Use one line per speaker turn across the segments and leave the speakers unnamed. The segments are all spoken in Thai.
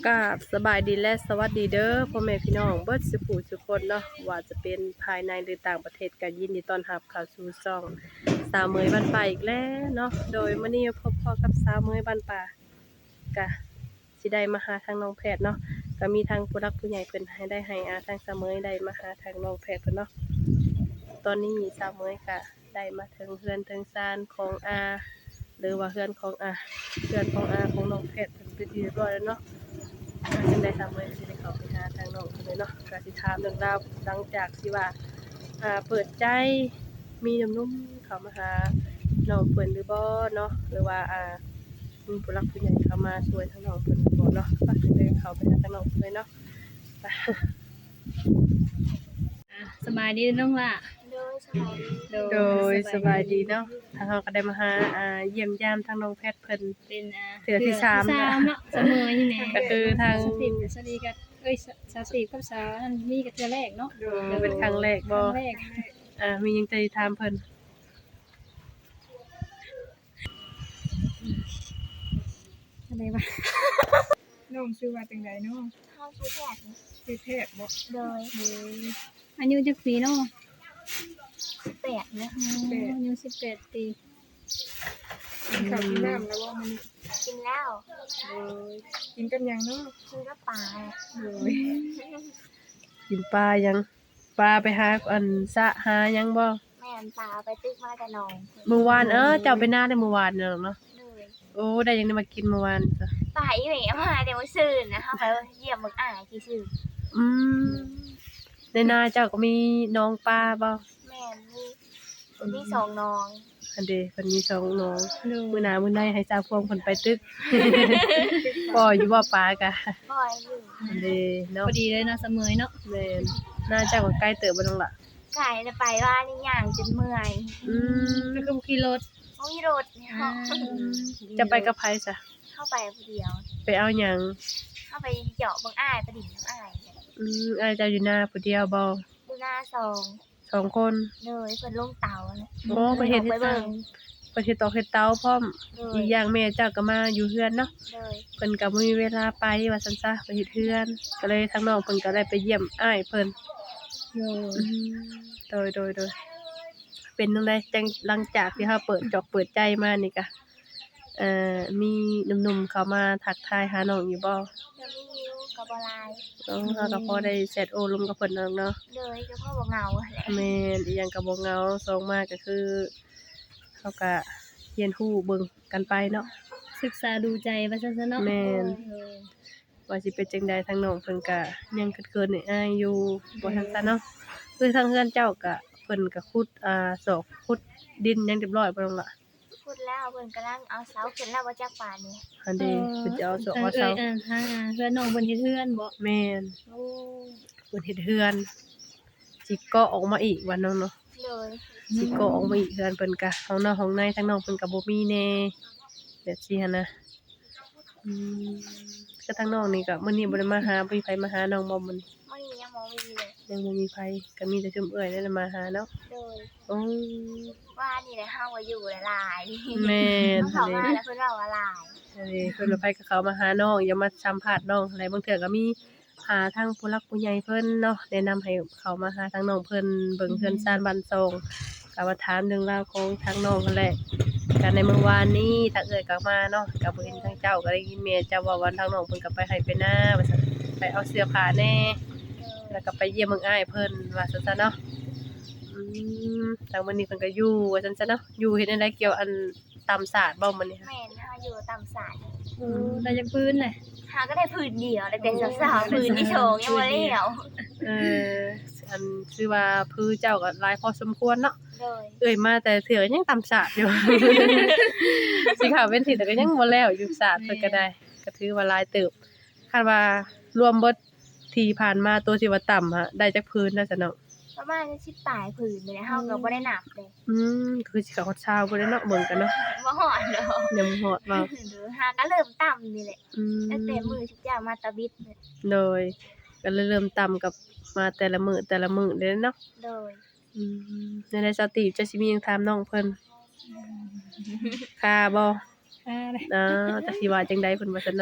กราบสบายดีและสวัสดีเด้อพ่อแม่พี่น้องเบิดสุขุสุคนเนาะว่าจะเป็นภายในหรือต่างประเทศกันยินดีต้อนรับเข้าสู่ช่องสาวเมยบ้านป่าอีกแล้วเนาะโดยมื้อนี้พบพ่อกับสาวเมยบ้านป่ากะสิได้มาหาทางน้องแพทย์เนาะก็มีทางผู้รักผู้ใหญ่เพิ่นให้ได้ให้ทางสาวเมยได้มาหาทางน้องแพทย์เพิ่นเนาะตอนนี้สาวเมยก็ได้มาถึงเฮือนถึงศาลของหรือว่าเฮือนของของน้องแพทย์เป็นที่เรียบร้อยแล้วเนาะจึงได้ทำให้สิได้เข้าไปหาทางน้องเพิ่นเลยเนาะก็สิถามเรื่องราวหลังจากที่ว่าเปิดใจมีหนุ่มๆเข้ามาหาน้องเพิ่นหรือบ่เนาะหรือว่ามีผู้หลักผู้ใหญ่เข้ามาช่วยทางน้องเพิ่นบ่เนาะก็สิได้เข้าไปหาทางน้องเพิ่นเลยเนาะไป
สบายดีน้องล่ะ
โดยสบายดีเนาะทางเราก็ได้มาหาเยี่ยมยามทางน้องแพทย์เพิ่น
เป็น
เทื่อที่สาม
เนาะเสมอนี่แหละ
ก็คือทาง
สติสดีกับสติกับสาอันนี้ก็เทื่อแรกเนาะ
เป็นครั้งแรก
ค
บ่
รั้งแรก
มีหยังจะถามเพิ่น
อะไรวะ
น้องชื่อว่าจังไดเนาะ
เข้าชื่อแพทย์
ชื่อเทพบ่
โดย
อายุจักปีเนาะ
8นะ
อายุ18 ปี
กินข้าวกินน้ำแล้วบ่มัน
กินแล้ว
โดยกินกับหยังเนาะ
กินกับปลา
โดย
กินปลายังปลาไปหาสระหายังบ่
แม่นปลาไปตึกมากับน้อง
เมื่อวานเจ้าไปนาได้เมื่อวานเนาะ
โดย
โอ้ได้ยังได้มากินเมื่อวานจ้ะ
ปลาอีแม่มาเดี๋ยวซื่นนะคะไปเยี่ยมมึกอ้ายที่ซื่อ
อืมในนาเจ้าก็มีน้องปลาบ่
แม่นมีสองน้อง
อันเดเพิ่นมีสองน้อง
ดู
มื้อหน้ามื้อในให้สาวพวงเพิ่นไปตึก ปล่อยอยู่บ่ปลากะ
บ่อยอยู่
อันเดเนาะ
พอดีเลยเนาะเสมอเนาะ
แม่นน่าเจ้าก็ใกล้เติบบ่น้องล่ะ
ไก่จะไปว่านี่ย่างจนเมื่อย
อืม
ก็คือขี่รถ
บ่มีรถเนี่ย
จะไปกับไผซะ
เข้าไปผู้เดียว
ไปเอาหยัง
เข้าไปเจาะมึกอ้ายประดิษฐ์อ้าย
อ้ายเจ้าอยู่นาผู้เดียวบ่
ดูหน้าซอง
สองคน
เลยเพิ่นลงเตาแล้ว
โอ้ไปเฮ็ด
ไป
ให้
เบิ่
เจ้าง ไปเฮ็ดตอกเฮ็ดเตาพร้อม
เล
อี
ย
กอย่างแม่เจ้าก็มาอยู่เฮือนเนาะ
เลย
เพิ่นก็บ่มีเวลาไปว่าซั่นซะไปเฮ็ดเฮือน ก็เลยทางน้องเพิ่นก็ได้ไปเยี่ยมอ้ายเพิ่น
ดู
โดยเป็นจังไดจังหลังจากที่เฮาเปิดจอกเปิดใจมานี่ก็มีหนุ่มๆเข้ามาทักทายหาน้องอยู่บ่
จะมีนิ้วกับบลาย
เนาะเฮาก็พอได้แชตโอ้ลมกับเพิ่นแล้วเนาะ
เลยก็พ่อบอกเหงาแหละ
แม่นอีหยังก็บ่เหงาสองมาก็คือเฮาก็เรียนรู้เบิ่งกันไปเนาะ
ศึกษาดูใจว่าซั่นซะเนาะ
แม่น
เออ
ว่าสิเป็นจังใดทางน้องเพิ่นก็ยังเกินๆอ้ายอยู่บ่ทันซะเนาะคือทางเฮือนเจ้าก็เพิ่นก็ขุดศอกขุดดินหยังเรียบร้อยบ่ต้องล่ะ
พูดแล้วเพิ่นกำลังเอาเสาขึ้นแล้วว่าจักป่านนี้
อันเด้เพิ่นจะเอาศอกเอาเสา
ทางเพื่อนน้องเพิ่นเฮ็ดเฮือนบ่
แม่น
โอ้
เพิ่นเฮ็ดเฮือนสิเกาะออกมาอีกว่าน้องเนาะ
เลย
สิเกาะออกมาอีกเฮือนเพิ่นก็ห้องนอกห้องในทางน้องเพิ่นก็บ่มีแน่แบบซี่หันนะอืมก็ทางน้องนี่ก็มื้อนี้บ่ได้มาหาบ่มีไผมาหาน้องบ่มื้อนี้
ไม่มียังมองไม่ดีเลย
ยังบ่มีไผก็มีแต่ชุมเอื้อยนั่นแหละมาหาเนาะ
เลย
โอ้
ว่านี่แหละห้าว่าอยู่หลาย
แม่น
เขา
อัน
มา
นี้
แล้วเพิ่นว่าว่าหลาย
อันนี้เพิ่นว่าไปกับเขามาหาน้องอย่ามาสัมภาษณ์น้องอะไรบางเทื่อก็มีหาทางผู้หลักผู้ใหญ่เพิ่นเนาะแนะนำให้เขามาหาทางน้องเพิ่นเบิ่งเฮือนซ่านบ้านทรงก็มาถามเรื่องราวของทางน้องนั่นแหละก็ในเมื่อวานนี้ทางเอื้อยก็มาเนาะก็บ่เห็นทางเจ้าก็ได้ยินแม่เจ้าว่าวันทางน้องเพิ่นก็ไปให้ไปนาว่าซั่นไปเอาเสื้อผ้าแน่ แล้วก็ไปเยี่ยมเมืองอ้ายเพิ่นว่าซั่นซะเนาะทางมื้อนี้เพิ่นก็อยู่ว่าซั่นซะเนาะอยู่เฮ็ดจั่งใดเกี่ยวอันตำศาสตร์บ่มื้อนี้
แม่นห้าอยู่ตามสาย
ได้จักปืนเลย
หาก็ได้พื้นเดียวแต่เป็นสาวๆพื้นที่โชงยังบ่เลี้ยว
เอออันคือว่าพื้เจ้าก็หลายพอสมควรเนาะ
เลย
เอ้ยมาแต่เถื่อยังตำศาสตร์อยู่ สิขาวเป็นสิแต่ก็ยังบ่แล้วอยู่ศาสตร์เพิ่นก็ได้ก็ถือว่าหลายเติบคาดว่ารวมเบิดที่ผ่านมาตัวที่ว่าต่ำอะได้จักพื้นน่าจะเนาะ
ประมาณ10ปลายพื้นเลยเฮาก็บ่ได้นับเลย
คือสิเขาเช้าบ่ได้เนาะเบิ่งกันเนาะ
บ่ฮอดดอก
ยังบ่ฮอดว่า
หรือหาก็เริ่มต่ำนี่แหละ
อืม
ตั้งแต่มือชุบยามาตะบิดเนี่ย
โดยก็เลยเริ่มต่ำกับมาแต่ละมื้อเด้เนาะ
โดย
ในสติจะสิมีหยังถามน้องเพิ่นค่าบ่
เลย
จักสิว่าจังใดเพิ่นว่าซั่นเนาะ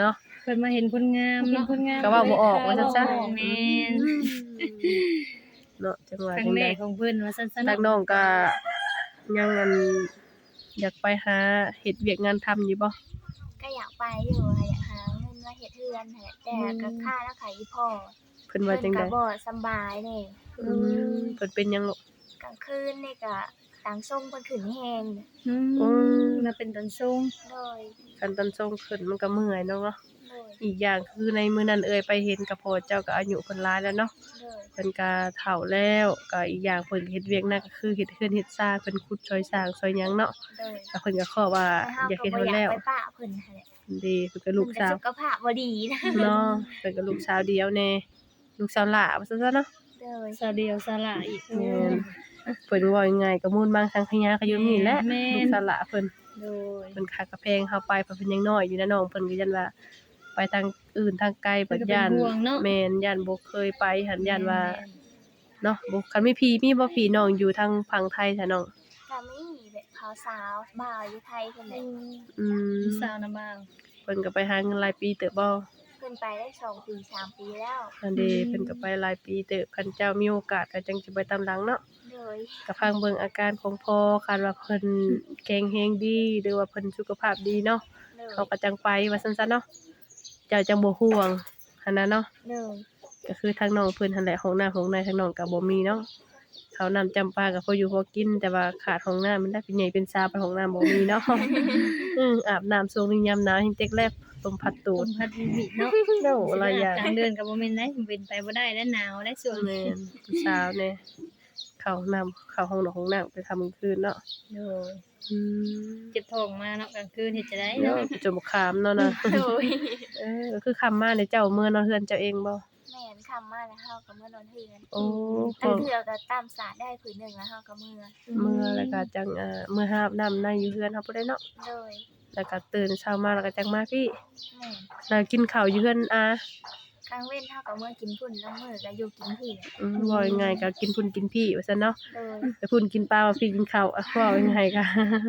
เพิ่นมาเห็นคนงามเนาะ
ก็เว้าบ่ออกว่าซั่นซะ
แม่น
เนาะจังหวะ
ครั้ง
จัง
แร
ใด
กของเพิ่นว่าซั่นซะ
ทา
เนาะ
งน้องก็ยังอยากไปหาเฮ็ดเวียกงานทำอยู่บ่
ก็อยากไปอยู่ค่ะอยากหาเงินมาเฮ็ดเฮือนนั่นแหละแต่ก็ค่าแล้วขายอีพ่อ
เพิ่นว่าจัง
เพิ่น
ใด
ก็บ่สำบายนี่
เพิ่นเป็นหยังลูก
กลางคืนนี่ก็ต่างส่งเพิ่นขึ้นแฮง
อืมมาเป็นตอนทรง
โดย
คันตอนส่งขึ้นมันก็เมื่อยเนาะ
โดย
อีกอย่างคือในมื้อนั้นไปเห็นกับพ่อเจ้าก็อายุเพิ่นหลายแล้วเนาะ
โดย
เพิ่นก็เฒ่าแล้วก็อีกอย่างเพิ่นเฮ็ดเวียกหนักก็คือเฮ็ดเรือนเฮ็ดสร้างเพิ่นขุดช่วยสร้างช่วยหยังเนาะ
โดย
ก็เพิ่นก็ขอว่า
แต่เฮา
อยาก
ก็
เฮ็ด
บ่
เพิ่น
อยาก
แล้ว
ไปปะเพิ่นนั่นแหละ
ดีเพิ่นก็ลูก
เพิ่น
สาว
สุขภาพบ่ดีนะ
เนาะเพิ่นก็ลูกสาวเดียวแน่ลูกสาวหลาว่าซั่นซะเนาะ
โดย
สาเดียวสาระอีก
แม่นเพิ่นเว้ายังไงก็มูลบางครั้งขยะก็อยู่นี่แหละ
แม่น
ลูกสาวหลาเพิ่น
โดย
เพิ่นขากกระแพงเฮาไปเพราะเพิ่นยังน้อยอยู่นะน้องเพิ่นก็ยันว่าไปทางอื่นทางไกลเพิ่นย่าน
เพิ่นก็เป็นห่วงเนาะ
แม่นย่านบ่เคยไปหันย่านว่าเนาะบ่คันมีพี่มีบ่พี่น้องอยู่ทางฝั่งไทยซะน้อง
ก็มีแบบเขาสาวบ่าวอยู่ไทยเพิ่นแหละ
อืม
สาวน้ำบาง
เพิ่นก็ไปหาเงินรายปีเติบบ่
เพิ่นไปได้2ปี3ปีแล้ว
อันเดเพิ่นก็ไปหลายปีเติบคันเจ้ามีโอกาสก็จังสิไปตามหลังเนาะ
โดย
ก็ฟังเบิ่งอาการของพ่อคาดว่าเพิ่นแข็งแรงดีหรือว่าเพิ่นสุขภาพดีเนาะ
โดย
เขาก็จังไปว่าซั่นซะเนาะเจ้าจังบ่ห่วงหันน่ะเนาะ
โดย
ก็คือทางน้องเพิ่นหั่นแหละห้องน้ำห้องในทางน้องก็บ่มีเนาะข้าวน้ำจำปาก็พออยู่พอกิน แต่ว่าขาดห้องน้ำมันได้เป็นใหญ่เป็นสาวไปห้องน้ำบ่มีเนาะ อาบน้ำช่วงนี้ยามหนาวแฮ่งเต็กแลบลมพัดตู
ต้
ด
มผัดวิเนาะ
โอ้หลายอย่าง
กลางเดือนก็บ่แม่นได้เป็นไปบ่ได้แล้วหนาวได้ส่วน
แม่นผู้สาวแน่เข้าน้ำเข้าห้องนอนห้องน้ำไปทำกลางคืนเนาะ
โดย
อืม
เจ็บท้องมาเนาะกลางคืนเฮ็ดจะได้
เนาะ
เนาะ
จมขามเนาะนะ
โดย
ก็คือคำมาในเจ้าเมื่อนอนเฮือนเจ้าเองบ่
แม่นคำมาแล้วเฮาก็เมื่อนอนเฮือน
โอ้
อันเทื่อก็ตามสาดได้ผืนหนึงแล้วเฮาก็เมื่อ
เมื่อแล้วก็จังเมื่อหาบน้ำในอยู่เฮือนเฮาบ่ได้เนาะ
โดย
แล้วก็ตื่นเช้ามาแล้วก็จังมาพี่
แม่น
แล้วกินข้าวอยู่เฮือนอา
กลางเว้นเฮาก็เมื่อกินพุ่นแล้วมื้อก็อยู่กินพี่
ว่ายังไงก็กินพุ่นกินพี่ว่าซั่นเนาะ
โดย
ไปพุ่นกินปลาว่าพี่กินข้าวว่ายังไงก็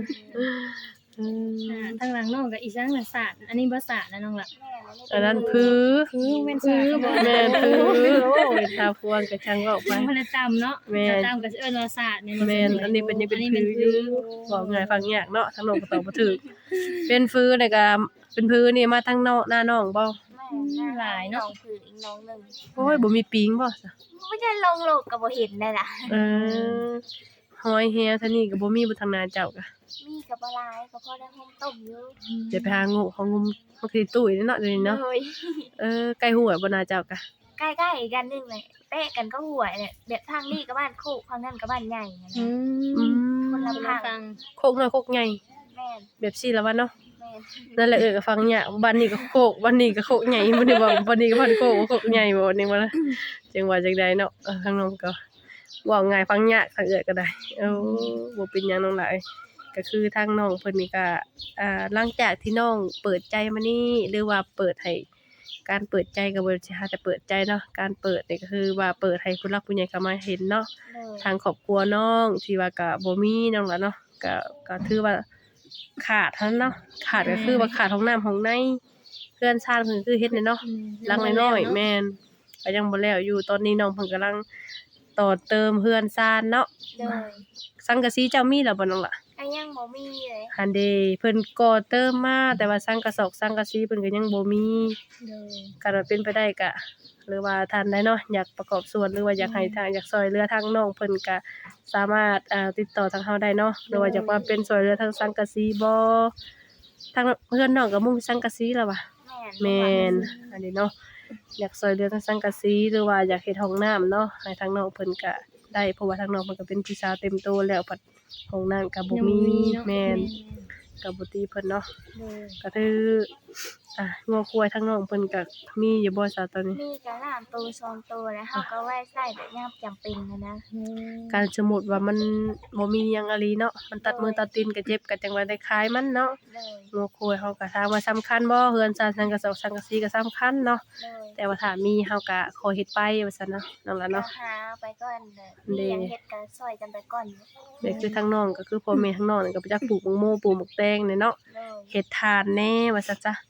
ทางหลังน้องก็อีสังน่ะสาดอันนี้บ่สาดนะน้องล่ะ
แม่น
อันนั้นพื้อ
คือแม่นสาดบ่
แม่นพื้อโอ้ยตาพวงก็ช่างเว้าไป
มันละตำเนาะ
แม่น
ตำก็สิเอิ้นว่าสาดนี่
แม่นอันนี้เป็นยังเป็นพื้ออยู่บอกง่ายฟังยากเนาะทางน้องก็ตอบบ่ถูกเป็นพื้อแล้วก็เป็นพื้อนี่มาทางนอกหน้าน้องบ่
แม่นหลายเนาะผืออีกน้องหนึง
โอ้ยบ่มีปิงบ่ซะ
บ่ได้ลงโลกก็บ่เห็นได้ล่ะ
เออหอยแฮวทางนี้ก็บ่มีบ่ทางนาเจ้าก็
มีก็บ่หลายก็พอได้ห่มต้มอยู่
เดี๋ยวไปหางูของงมมันคือตุ้ยเนาะเดี๋ยวนี้เนาะ
โดย
ใกล้หัวบ่นาเจ้าก็
ใกล้ๆกันนึงเลยเป๊ะกันก็หวยเนี่ยแบบทางนี้ก็บ้านโคกทางนั้นก็บ้านใหญ่นะ
อืม
คนละ
มาฟัง
โคกน้อยโคกใหญ่
แม่น
แบบซี่ละว่าเนาะ
แม่น
นั่นแหละก็ฟังยากบ้านนี้ก็โคกบ้านนี้ก็โคกใหญ่บ่ได้ว่าบ้านนี้ก็บ้านโคกโคกใหญ่บ่นี่ว่าจังว่าจังไดเนาะทางน้องก็เว้าง่ายฟังยากทางก็ได้บ่เป็นหยังน้องหลายก็คือทางน้องเพิ่นนี่ก็หลังจากที่น้องเปิดใจมานี่หรือว่าเปิดให้การเปิดใจก็บ่ใช่หาแต่เปิดใจเนาะการเปิดนี่ก็คือว่าเปิดให้ผู้หลักผู้ใหญ่เข้ามาเห็นเนาะ
เลย
ทางครอบครัวน้องที่ว่าก็บ่มีน้องล่ะเนาะก็ถือว่าขาดเท่านั้นเนาะขาดก็คือว่าขาดห้องน้ำห้องในเพื่อนชาติเพิ่นคือเฮ็ดเนี่ยเนาะหลังน้อยๆแม่นก็ยังบ่แล้วอยู่ตอนนี้น้องเพิ่นกำลังต่อเติมเฮือนซานเนาะ
เลย
สังกะสีเจ้ามีแล้วบ่น้องล่ะ
อันยังบ่มีเลย
หันเดเพิ่นก่อเติมมาแต่ว่าสังกะสอกสังกะสีเพิ่นก็ยังบ่มี
โดย
ก็ว่าเป็นไปได้ก็หรือว่าท่านใดเนาะอยากประกอบส่วนหรือว่าอยากให้ทางอยากซอยเหลือทางน้องเพิ่นก็สามารถติดต่อทางเฮาได้เนาะหรือว่าอยากว่าเป็นซอยเหลือทางสังกะสีบ่ทางเพื่อนน้องก็มุ่งสังกะสีแล้วว่ะ
แม่น
แม่นอันนี้เนาะอยากซอยเหลือทางสังกะสีหรือว่าอยากเฮ็ดห้องน้ำเนาะให้ทางน้องเพิ่นก็ได้เพราะว่าทางน้องเพิ่นก็เป็นผู้สาวเต็มโตแล้วปัดห้องน้ำก็บ่มีแม่นก็บ่ตีเพิ่นเนาะ
โดย
ก็คืองัวควายทางน้องเพิ่นก็มีอยู่บ่ซะตอนนี้
มีกะล่ามโตซองโตแล้วเฮาก็ไว้ใส่แบบยามจำเป็นนะ
การสมมุติว่ามันบ่มีหยังอะลีเนาะมันตัดมือตัดตีนก็เจ็บก็จังว่าได้ขายมันเนาะ
เลย
งัวควายเฮาก็ถามว่าสำคัญบ่เฮือนซานสังกะสอกสังกะสีก็สำคัญเนาะ
เลย
แต่ว่าถ้ามีเฮาก็ขอเฮ็ดไปว่าซั่นเนาะนั่นล่ะ
ก็
เนาะ
หาไปก่อนเด้อมีหยังเฮ็ดก็ซอยกันไปก่อน
นี่คือทางน้องก็คือพ่อแม่ทางน้องนี่ก็ไปจักปลูกมะม่วงปลูกหมกแตงเนี่ยเนาะ
เลย
เฮ็ดทานแน่ว่าซั่นจ้ะ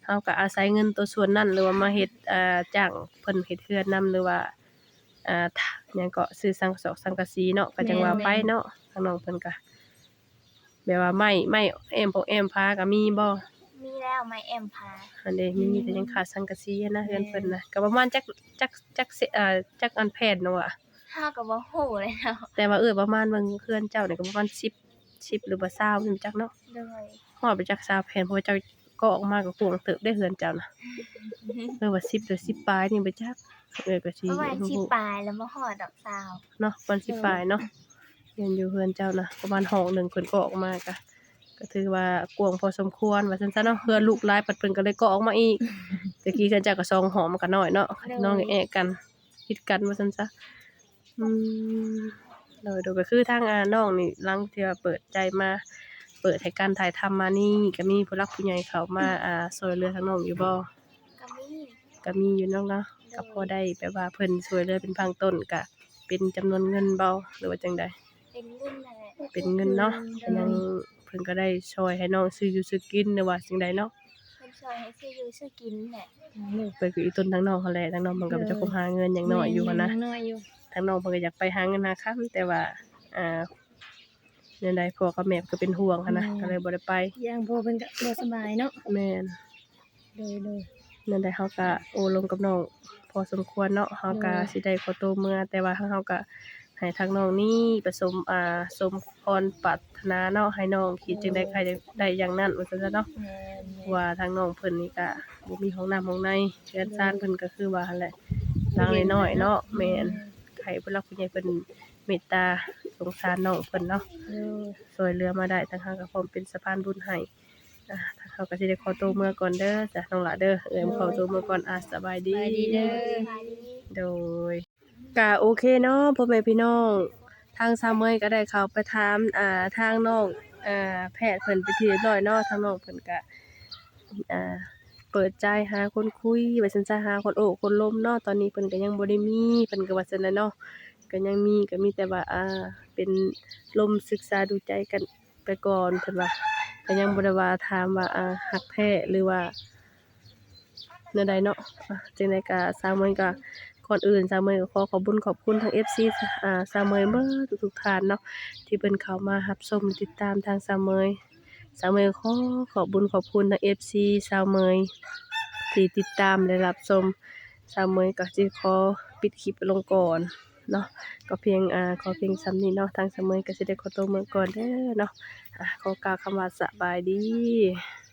เฮาก็อาศัยเงินตัวส่วนนั้นหรือว่ามาเฮ็ดจ้างเพิ่นเฮ็ดเรือนนำหรือว่าทาหยังก็ซื้อสังสอกสังกะสีเนาะก็จังว่าไปเนาะทางน้องเพิ่นก็แบบว่าไม้แอมพวกแอมพาก็มีบ่
มีแล้วไม้แอมพา
อันนี้มีแต่ยังขาดสังกะสีอะนะเฮือนเพิ่นนะก็ประมาณจักอันแผ่นเนาะอะ
เฮาก็บ่ฮู้เลยเนาะ
แต่ว่าประมาณเบิ่งเฮือนเจ้านี่ก็ประมาณ10หรือว่า20นี่จักเนาะ
โดย
ฮอดไปจัก20แผ่นเพราะว่าเจ้าก็ออกมาก็กวางเติบได้เฮือนเจ้านะว่า10หรือ10ปลายนี่บ่จักก็สิ
ประมาณ
ฮู้
10ปลายแล้วบ่ฮอดดอกซาว
เนาะประมาณ10ปลายเนาะเรียนอยู่เฮือนเจ้านะประมาณห้องหนึงเพิ่นก็ออกมาก็ถือว่ากว้างพอสมควรว่าซั่นซะเนาะเฮือนลูกหลายปัดเพิ่นก็เลยก่อออกมาอีกตะกี้เฮือนเจ้าก็2หอมันก็น้อยเนาะน้องแอะกันคิดกันว่าซั่นซะอืมโดยก็คือทางน้องนี่หลังที่ว่าเปิดใจมาเปิดให้การถ่ายทำมานี่ก็มีผู้หลักผู้ใหญ่เข้ามาช่วยเหลือทางน้องอยู่บ่
ก็มี
อยู่เนาะก็พอได้แบบว่าเพิ่นช่วยเหลือเป็นเบื้องต้นก็เป็นจำนวนเงินบ่หรือว่าจังใด
เป็นเงินนั่นแหละ
เป็นเงินเนาะก็ยังเพิ่นก็ได้ช่วยให้น้องซื้ออยู่ซื้อกินหรือว่าจังใดเนาะ
เพิ่นช่วยให้ซื้ออยู่ซื้อกินแหละ
เพิ่นก็อีต้นทางน้องเขาแหละทางน้องมันก็จะคบหาเงินอย่างน้อยอยู่หันนะ
ยังน้อยอยู่
ทางน้องเพิ่นก็อยากไปหาเงินหาค่ำแต่ว่าแนวใดพ่อกับแม่ก็เป็นห่วงหันนะก็เลยบ่ได้ไป
อย่างพอเพิ่นก็บ่สบายเนาะ
แม่น
โดย
นั่นได้เฮาก็โอ้ลมกับน้องพอสมควรเนาะเฮาก็สิได้ขอตัวเมื่อแต่ว่าเฮาก็ให้ทางน้องนี่ประสมสมพรปรารถนาเนาะให้น้องคิดจังได๋ใครได้อย่างนั้นว่าซั่นซะเนาะ
แม่น
ว่าทางน้องเพิ่นนี่ก็บ่มีห้องน้ำห้องในเรือนซ่านเพิ่นก็คือว่าหั่นแหละหลังน้อยๆเนาะแม่นให้ผู้หลักผู้ใหญ่เพิ่นเมตตาสงสารน้องเพิ่นเนาะ ช่วยเหลือมาได้ทางเราก็พร้อมเป็นสะพานบุญให้ทางเขาก็สิได้ขอตัวเมื่อก่อนเด้อจ้ะน้องหลาเด้อขอตัวเมื่อก่อนสบายดี
ไปดีเด้อ
สบายดี
โดยก็โอเคเนาะพ่อแม่พี่น้องทางซาเมยก็ได้เข้าไปถามทางน้องแพทย์เพิ่นไปนที่เรียบร้อยเนาะทางน้องเพิ่นก็เปิดใจหาคนคุยว่าซั่นซะหาคนโอ้คนล้มเนาะตอนนี้เพิ่นก็ยังบ่ได้มีเพิ่นก็ว่าซั่นแหละเนาะก็ยังมีก็มีแต่ว่าเป็นลมศึกษาดูใจกันไปก่อนเพิ่นว่าก็ยังบ่ได้ว่าถามว่าฮักแท้หรือว่าแนวใดเนาะจังได๋ก็ซาเมยก็ก่อนอื่นซาเมยก็ขอขอบคุญขอบคุณทาง FC ซาเมยเบิดทุกๆท่านเนาะที่เพิ่นเข้ามารับชมติดตามทางซาเมยขอขอบคุญขอบคุณทาง FC ซาเมยที่ติดตามและรับชมซาเมยก็สิขอปิดคลิปลงก่อนเนาะก็เพียงขอเพียงส่ำนี้เนาะทางซาเมยก็สิได้ขอตัวเมื่อก่อนเด้อเนาะขอกล่าวคำว่าสบายดี